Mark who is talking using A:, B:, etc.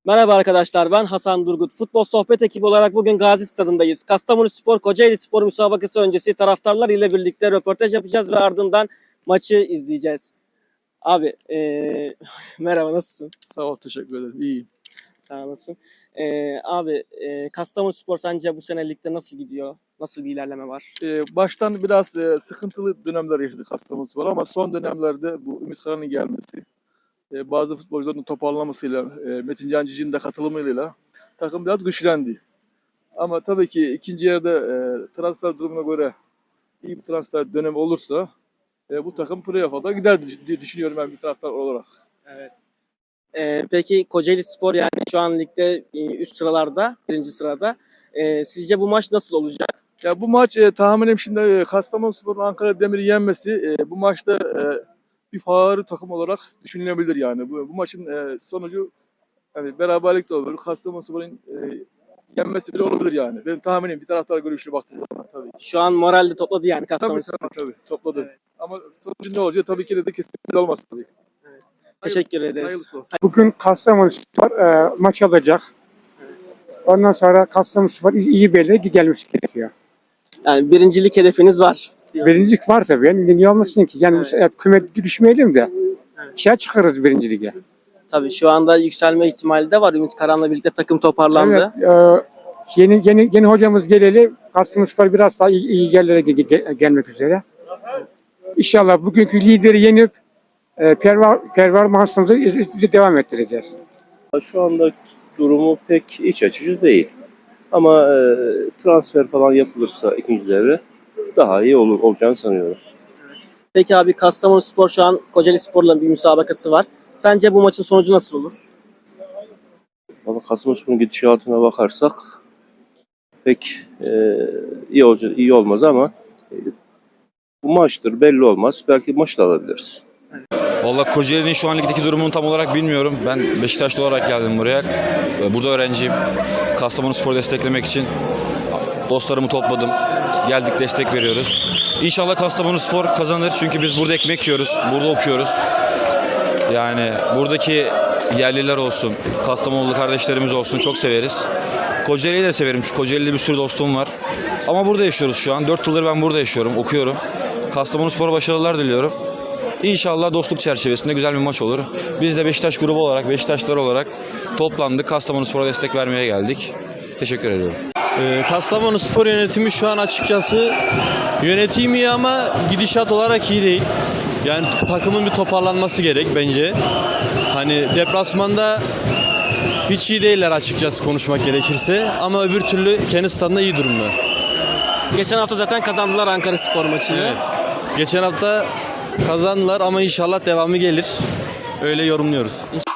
A: Merhaba arkadaşlar, ben Hasan Durgut. Futbol sohbet ekibi olarak bugün Gazi Stadı'ndayız. Kastamonuspor Kocaelispor müsabakası öncesi taraftarlar ile birlikte röportaj yapacağız ve ardından maçı izleyeceğiz. Abi, merhaba, nasılsın?
B: Sağ ol, teşekkür ederim. İyiyim.
A: Sağ olasın. Abi, Kastamonuspor sence bu sene ligde nasıl gidiyor? Nasıl bir ilerleme var?
B: Baştan biraz sıkıntılı dönemler yaşadık Kastamonuspor ama son dönemlerde bu Ümit Karan'ın gelmesi, bazı futbolcuların toparlamasıyla, Metin Can Cic'in de katılımıyla takım biraz güçlendi. Ama tabii ki ikinci yarıda transfer durumuna göre iyi bir transfer dönemi olursa bu takım playoff'a da gider diye düşünüyorum ben bir taraftar olarak.
A: Evet. Peki Kocaelispor yani şu an ligde üst sıralarda, birinci sırada. Sizce bu maç nasıl olacak?
B: Ya bu maç tahminim şimdi Kastamonuspor'un Ankara Demir'i yenmesi bu maçta bir favori takım olarak düşünülebilir yani. Bu maçın sonucu hani beraberlik de olur. Kastamonuspor'un yenmesi bile olabilir yani. Benim tahminim bir taraftar görüşüne baktığı zaman tabii.
A: Şu an moral de topladı yani Kastamonuspor.
B: Tabii topladı.
A: Evet.
B: Ama sonucu ne olacak tabii ki de kesinlikle olmaz tabii.
A: Evet. Teşekkür ederiz.
B: Hayırlısı olsun.
C: Bugün Kastamonuspor maç alacak. Ondan sonra Kastamonuspor iyi bir yere gelmesi gerekiyor.
A: Yani birincilik hedefiniz var diyorsunuz.
C: Birincilik var tabii. Yani niye olmasın ki? Yani küme düşmeyelim de şey çıkarız birinci lige.
A: Tabii şu anda yükselme ihtimali de var. Ümit Karan'la birlikte takım toparlandı.
C: Evet, yeni hocamız geleli Kastamonuspor biraz daha iyi yerlere gelmek üzere. İnşallah bugünkü lideri yenip performansımızı devam ettireceğiz.
D: Şu anda durumu pek iç açıcı değil. Ama transfer falan yapılırsa ikinci devre daha iyi olacağını sanıyorum.
A: Peki abi Kastamonuspor şu an Kocaelispor'la bir müsabakası var. Sence bu maçın sonucu nasıl olur?
D: Ama Kastamonuspor'un gidişatına bakarsak pek iyi olmaz ama bu maçtır belli olmaz. Belki maç da alabiliriz.
E: Vallahi Kocaeli'nin şu an ligdeki durumunu tam olarak bilmiyorum. Ben Beşiktaşlı olarak geldim buraya. Burada öğrenciyim. Kastamonuspor'u desteklemek için dostlarımı topladım. Geldik, destek veriyoruz. İnşallah Kastamonuspor kazanır. Çünkü biz burada ekmek yiyoruz. Burada okuyoruz. Yani buradaki yerliler olsun, Kastamonulu kardeşlerimiz olsun çok severiz. Kocaeli'yi de severim. Kocaeli'de bir sürü dostum var. Ama burada yaşıyoruz şu an. 4 yıldır ben burada yaşıyorum, okuyorum. Kastamonuspor'a başarılar diliyorum. İnşallah dostluk çerçevesinde güzel bir maç olur. Biz de Beşiktaş grubu olarak, Beşiktaşlılar olarak toplandık. Kastamonuspor'a destek vermeye geldik. Teşekkür ediyorum.
F: Kastamonuspor yönetimi şu an açıkçası yönetimi iyi ama gidişat olarak iyi değil. Yani takımın bir toparlanması gerek bence. Hani deplasmanda hiç iyi değiller açıkçası konuşmak gerekirse. Ama öbür türlü kendi stadında iyi durumda.
A: Geçen hafta zaten kazandılar Ankaraspor maçını.
F: Evet. Geçen hafta kazandılar ama inşallah devamı gelir. Öyle yorumluyoruz.